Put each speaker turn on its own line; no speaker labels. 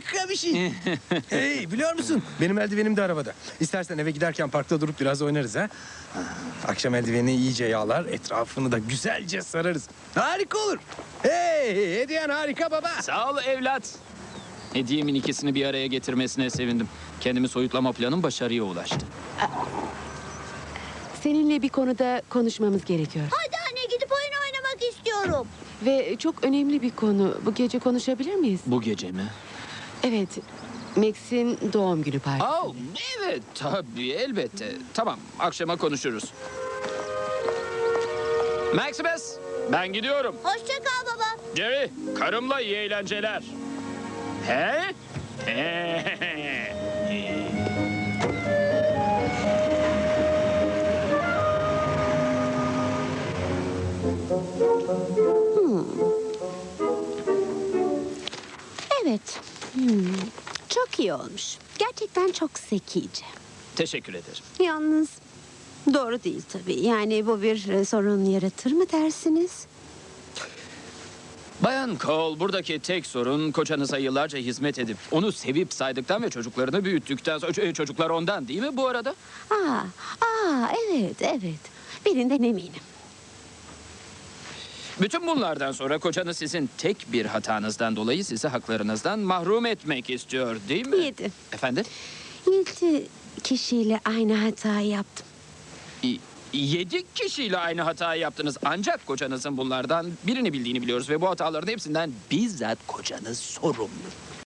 harika bir şey. Hey, biliyor musun? Benim eldivenim de arabada. İstersen eve giderken parkta durup biraz oynarız ha. Akşam eldiveni iyice yağlar, etrafını da güzelce sararız. Harika olur. Hey, hediyen harika baba.
Sağ ol evlat. Hediyemin ikisini bir araya getirmesine sevindim. Kendimi soyutlama planım başarıya ulaştı.
Seninle bir konuda konuşmamız gerekiyor.
Hadi anne gidip oyun oynamak istiyorum.
Ve çok önemli bir konu. Bu gece konuşabilir miyiz?
Bu gece mi?
Evet. Max'in doğum günü partisi.
Oh, evet tabii elbette. Tamam akşama konuşuruz. Maximus ben gidiyorum.
Hoşça kal baba.
Jerry karımla iyi eğlenceler. He?
Evet. Çok iyi olmuş. Gerçekten çok zekice.
Teşekkür ederim.
Yalnız doğru değil tabii. Yani bu bir sorun yaratır mı dersiniz?
Bayan Cole, buradaki tek sorun kocanıza yıllarca hizmet edip onu sevip saydıktan ve çocuklarını büyüttükten sonra çocuklar ondan değil mi bu arada?
Evet. Birinden eminim.
Bütün bunlardan sonra kocanız sizin tek bir hatanızdan dolayı sizi haklarınızdan mahrum etmek istiyor değil mi?
7.
Efendim?
7 kişiyle aynı hatayı yaptım.
7 kişiyle aynı hatayı yaptınız. Ancak kocanızın bunlardan birini bildiğini biliyoruz ve bu hataların hepsinden bizzat kocanız sorumlu.